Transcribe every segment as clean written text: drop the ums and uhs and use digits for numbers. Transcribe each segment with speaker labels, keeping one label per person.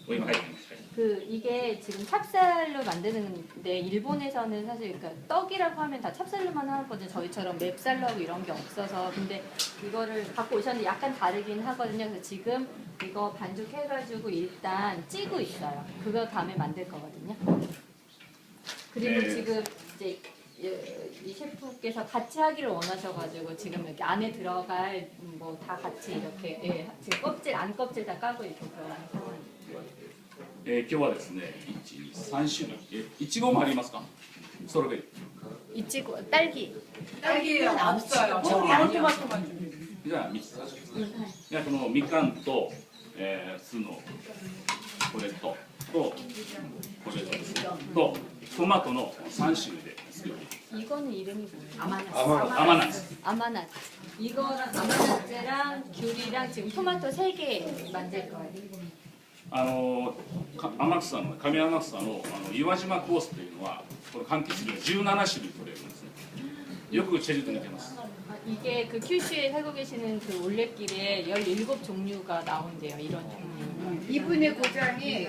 Speaker 1: 今入ってます。
Speaker 2: 그 이게 지금 찹쌀로 만드는데 일본에서는 사실 그러니까 떡이라고 하면 다 찹쌀로만 하거든요. 저희처럼 맵쌀하고 이런 게 없어서. 근데 이거를 갖고 오셨는데 약간 다르긴 하거든요. 그래서 지금 이거 반죽해가지고 일단 찌고 있어요. 그거 다음에 만들 거거든요. 그리고
Speaker 1: 네.
Speaker 2: 지금 이제 이 셰프께서 같이 하기를 원하셔가지고 지금 이렇게 안에 들어갈 뭐 다 같이 이렇게 지금 껍질 안 껍질 다 까고 이렇게 들어가는 상황이에요.
Speaker 1: 今日はですね、1、2、3種類。いちごもありますか？ストロベリー。
Speaker 2: 이치고 딸기.
Speaker 3: 딸기는 없어요. 토마토만 준비해.
Speaker 1: じゃあ3つ。じゃあこのみかんと、酢のこれとこれとトマトの3種類で作る。
Speaker 2: 이거는 이름이 뭐예요? 아마나스.
Speaker 1: 아마나스.
Speaker 2: 아마나스. 이거랑 아마나스랑 귤이랑 지금 토마토 3개 만들 거예요.
Speaker 1: 天草の上天草の岩島コースというのはこの柑橘類17種類取れるんですね。よくチェジュ島に似てます。
Speaker 2: 이게 그 큐슈에 살고 계시는 그 올레길에 17종류가 나온대요. 이런 종류.
Speaker 3: 이분의 고장이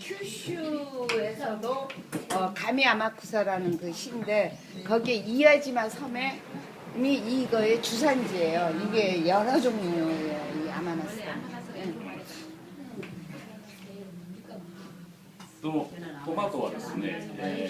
Speaker 3: 큐슈에서도 가미야마쿠사라는 그 시인데 거기에 이와지마 섬에 이거의 주산지예요. 이게 여러 종류예요. 이 아마나스. 예.
Speaker 1: トマトはですね、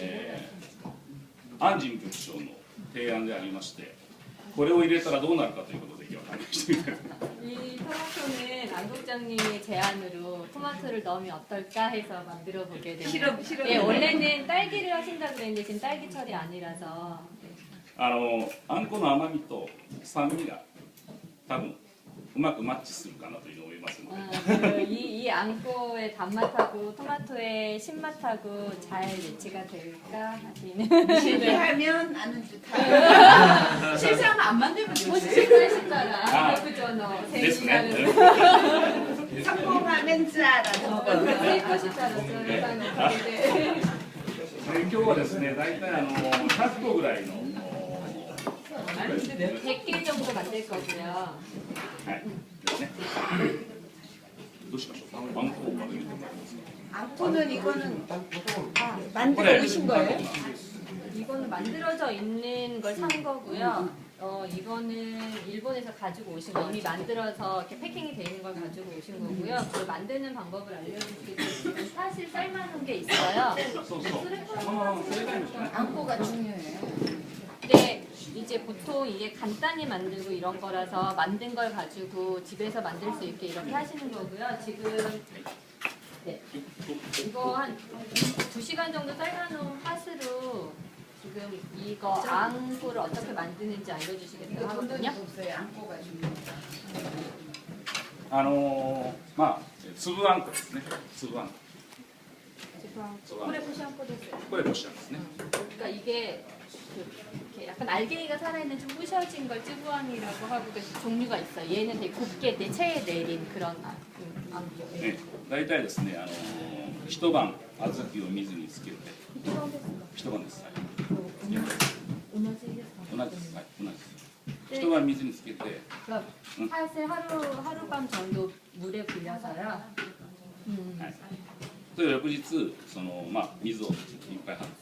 Speaker 1: 安仁局長の提案でありまして、これを入れたらどうなるかということで今日は試してみたいと思います。
Speaker 2: 이 토마토는 안 국장님의 제안으로 토마토를 넣으면 어떨까 해서 만들어 보게 됐어요.
Speaker 3: 실험.
Speaker 2: 예, 원래는 딸기를 하신다 그랬는데 지금 딸기철이 아니라서.
Speaker 1: あんこの甘みと酸味が多分うまくマッチするかなというのを思いますので。
Speaker 2: 이 앙꼬의 단맛하고 토마토의 신맛하고 잘 매치가 될까 하시는.
Speaker 3: 실패하면 아는 듯한.
Speaker 2: 실패하면 안 만들면 되지. 실패하신다라. 그죠, 너.
Speaker 1: ですね。
Speaker 3: 성공하면 짜라는 거.
Speaker 2: 세이프시다라.
Speaker 1: 今日はですね、大体100個ぐらいの
Speaker 2: 100개 정도 만들 거고요.
Speaker 1: はいですね。どうしましょう。あんこをまとめてもらえますか。
Speaker 3: 앙코는 이거는 만들어 오신 거예요?
Speaker 2: 이거는 만들어져 있는 걸 산 거고요. 이거는 일본에서 가지고 오신 거 이미 만들어서 이렇게 패킹이 돼 있는 걸 가지고 오신 거고요. 그 만드는 방법을 알려드리겠습니다. 사실 쌀만한 게 있어요.
Speaker 1: そうそう。それがいいんですね。
Speaker 3: 앙코가 중요해요.
Speaker 2: 근데 이제 보통 이게 간단히 만들고 이런 거라서 만든 걸 가지고 집에서 만들 수 있게 이렇게 하시는 거고요. 지금 네. 이거 한 2시간 정도 삶아놓은 팥으로 지금 이거 앙꼬를 어떻게 만드는지 알려주시겠다고 하거든요.
Speaker 3: 없어요. 앙코가 중요해요.
Speaker 1: まあ粒あんこですね。粒あんこ。
Speaker 2: 지금 코레포시 앙꼬 됐어요.
Speaker 1: これこしあんですね。
Speaker 2: 그러니까 이게 이렇게 약간 알갱이가 살아있는 좀 부셔진 걸 쯔부앙이라고 하고 그 종류가 있어요. 얘는 되게 곱게 체에 내린 그런 앙꼬.
Speaker 1: ね、大体ですね、一晩小豆を水につけて、
Speaker 2: 이런 데서
Speaker 1: 一晩です。はい
Speaker 2: 오너지겠어.
Speaker 1: 同じです。はい、同じです。一晩水につけて、
Speaker 2: 그러니까 팥을 하룻밤 정도 물에 불려서요.
Speaker 1: はい。で翌日まあ水をいっぱい張って、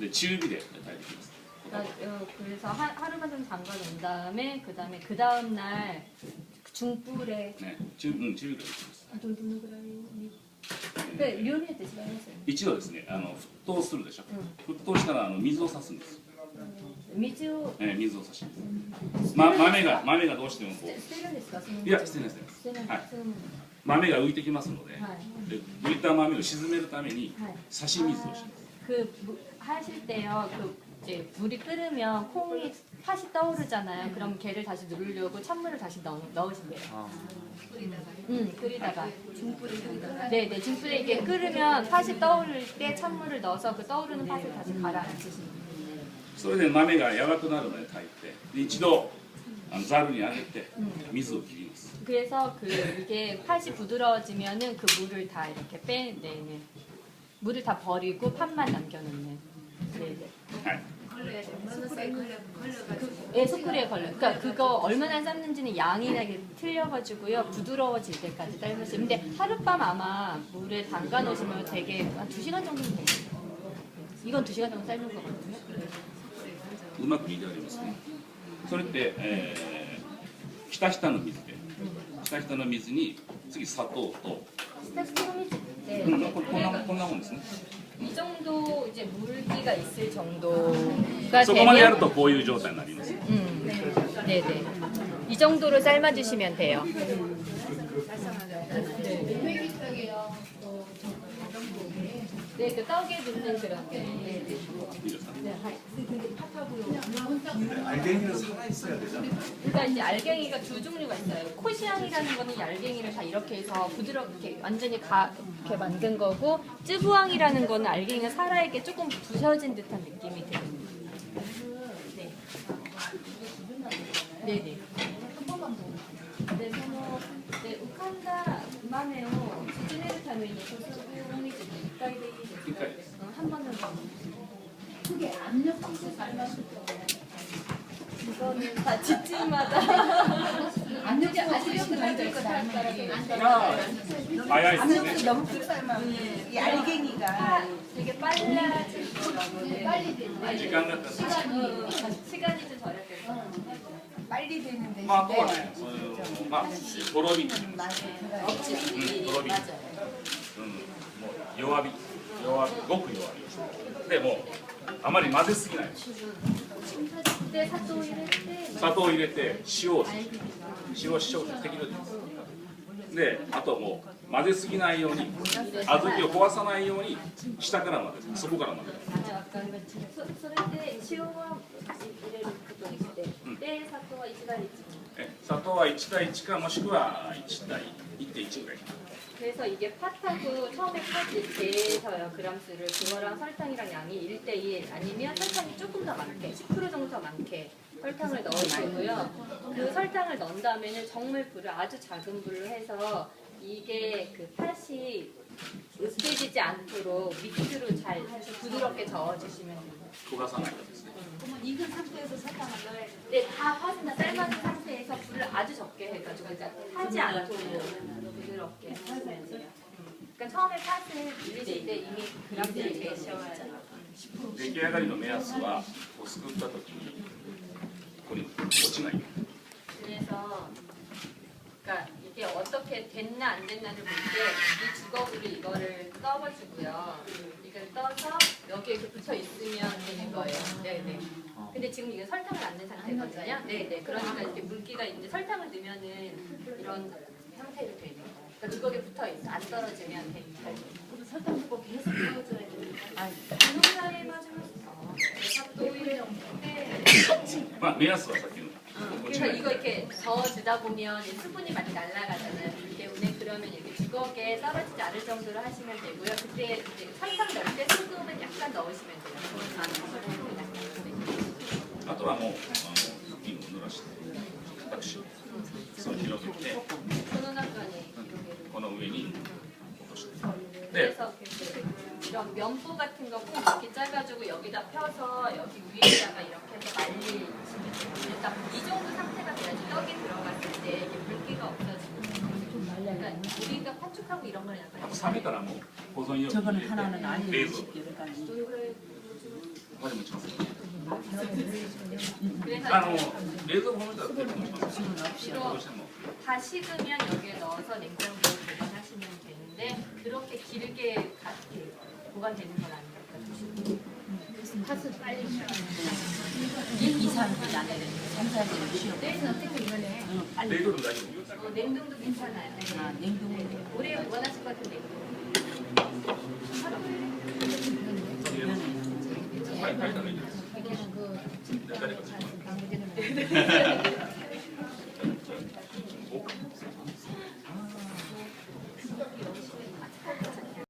Speaker 1: で中火で炊いてきます。
Speaker 2: 그래서 하루만 좀 담가 놓은 다음에 그 다음 날 중불에
Speaker 1: ね、中火で炊いてきます。
Speaker 2: 좀 두는ぐらいに 네, 류에 드시면서
Speaker 1: 一度ですね、沸騰するでしょ。沸騰したら水を差すんです。
Speaker 2: 미주
Speaker 1: 水を差します。豆がどうしてもこう。
Speaker 2: 스테인리스가
Speaker 1: いや、捨てない捨てないです。はい。豆が浮いてきますので、で浮いた豆を沈めるために差し水をします。
Speaker 2: 하실 때요. 이제 물이 끓으면 콩이 팥이 떠오르잖아요. 그럼 걔를 다시 누르려고 찬물을 다시 넣으신대요. 끓이다가. 중불에 네, 중불에 이게 끓으면 팥이 떠오를 때 찬물을 넣어서 그 떠오르는 팥을 다시 가라앉히시는 거예요.
Speaker 1: それで豆が柔らかくなるまで炊いて、で一度ざるにあげて水を切ります。
Speaker 2: 그래서 이게 팥이 부드러워지면은 그 물을 다 이렇게 빼내는 물을 다 버리고 팥만 남겨놓는. 네.
Speaker 1: はい。
Speaker 2: 예, 소쿠리에 걸려. 그러니까 그거 얼마나 삶는지는 양이나 이게 틀려가지고요. 부드러워질 때까지 삶으세요. 근데 하룻밤 아마 물에 담가 놓으시면 되게 한 2시간 정도는 돼요. 이건 2시간 정도 삶는 거거든요.
Speaker 1: うまく煮てありますね。それって、ひたひたの水で、ひたひたの水に次砂糖と、
Speaker 2: 스타스토미즈인데
Speaker 1: こんなもんですね。
Speaker 2: 이 정도 이제 물기가 있을 정도가
Speaker 1: そこまでやる
Speaker 2: 되면
Speaker 1: とこういう状態になります。
Speaker 2: 네네. 이 정도로 삶아주시면 돼요. 네, 그 떡에 넣는 그런 게. 네, 네.
Speaker 1: いいですか。
Speaker 4: 알갱이는 살아 있어야 되잖아.
Speaker 2: 그러니까 이제 알갱이가 두 종류가 있어요. 코시앙이라는 거는 이 알갱이를 다 이렇게 해서 부드럽게 완전히 이렇게 만든 거고, 쯔부앙이라는 거는 알갱이가 살아있게 조금 부셔진 듯한 느낌이 들어요. 네. 네네. 네, 네, 우칸다 우마메오 지진해를 타면 소스공이 한 번은
Speaker 5: 그게 압력솥에 삶았을 때
Speaker 2: 이거는 다 집집마다
Speaker 5: 압력솥 아시려고 만들 거 닮은
Speaker 1: 早いですね。
Speaker 3: 압력솥 너무 푹 삶으면 이 알갱이가
Speaker 2: 되게 빨라질 거라고.
Speaker 5: 빨리 되는데
Speaker 1: 時間が経つ。
Speaker 2: 시간이 좀 절약돼서.
Speaker 3: 빨리 되는 대신에
Speaker 1: まああとはね、まあとろみ、とろみ、もう弱火、ごく弱火。でもうあまり混ぜすぎない。
Speaker 2: 네, 사또 이랬대.
Speaker 1: 砂糖を入れて塩を適量で、あともう混ぜすぎないように、小豆を壊さないように下から混ぜる、そこから混ぜる。
Speaker 2: それで塩は入れることにして、で砂糖は1対1。
Speaker 1: 砂糖は1対1かもしくは1対 1.1 ぐらい。
Speaker 2: 그래서 이게 팥하고 처음에 팥이 재서요 그람수를 그거랑 설탕이랑 양이 1대1 아니면 설탕이 조금 더 많게 10% 정도 더 많게 설탕을 넣으시고요. 그 설탕을 넣은 다음에는 정말 불을 아주 작은 불로 해서 이게 그 팥이 으스해지지 않도록 밑으로 잘 부드럽게 저어주시면 됩니다.
Speaker 1: 焦がさないとですね。
Speaker 5: 그러면 익은 상태에서 설탕을 넣어야 돼.
Speaker 2: 네, 다 팥은 다 삶아진 상태에서 불을 아주 적게 해가지고 이제 타지 않도록 부드럽게 하시면 돼요. 그러니까 처음에 팥을 불리실 때 이미 그람수를 재셔야
Speaker 1: 出来上がりの目安は、こうすくった時にここに落ちない。
Speaker 2: 그래서 그러니까 이게 어떻게 됐나 안 됐나를 볼 때 이 주걱으로 이거를 떠가지고요. 이걸 떠서 여기에 이렇게 붙여 있으면 되는 거예요. 네네. 근데 지금 이게 설탕을 안 넣은 상태거든요. 네네. 그러니까 이렇게 물기가 있는데 설탕을 넣으면은 이런 상태로 되는 거예요. 그러니까 주걱에 붙어 있어. 안 떨어지면 돼.
Speaker 5: 설탕 넣고 계속 넣어줘야 돼.
Speaker 2: 간호사에 맞으면서 또 이래. 네.
Speaker 1: まあ目安はさっきの落ち
Speaker 2: 그래서
Speaker 1: ない
Speaker 2: 이거 이렇게 저어주다 보면 이 수분이 많이 날아가잖아요. 그렇기 때문에 그러면 이렇게 주걱에 떨어지지 않을 정도로 하시면 되고요. 그때 이제 설탕 넣을 때 소금은 약간 넣으시면 돼요. 네.
Speaker 1: あとはもう布巾を濡らして固くしそう広げて
Speaker 2: 손원학관에
Speaker 1: この上に落としてで
Speaker 2: 그래서 이런 면보 같은 거 꼭 이렇게 짜가지고 여기다 펴서 여기 위에다가 이렇게 해서 말리시면 돼요. 그러니까 이 정도 상태가 돼야지 떡이 들어갔을 때 이게 물기가 없어지고 그러니까 우리가 파축하고 이런 걸 약간
Speaker 1: 冷めたらもう保存用に
Speaker 3: 저거는
Speaker 1: 入れ
Speaker 3: 하나는
Speaker 1: て
Speaker 3: 아니에요.
Speaker 1: 冷蔵庫
Speaker 3: 쉽게 그러니까
Speaker 1: まで持ちます
Speaker 2: 그래서
Speaker 1: 冷蔵庫の中で持ちます
Speaker 3: 지금 없이
Speaker 1: どうしても
Speaker 2: 다 식으면 여기에 넣어서 냉장고에 보관하시면 되는데 그렇게 길게 이렇게 보관되는 건 아니니까
Speaker 5: 팥을 빨리
Speaker 3: 2, 3일 안에 3, 4일 쉬어.
Speaker 5: 내일 어떻게 이거네.
Speaker 3: 빨리
Speaker 1: 冷凍でも大丈夫
Speaker 2: 냉동도 괜찮아요.
Speaker 3: 아, 냉동을
Speaker 2: 오래 원하실 것 같은 냉동.
Speaker 1: はい、炊いたらいいです
Speaker 5: 자기는 그
Speaker 1: 誰か作る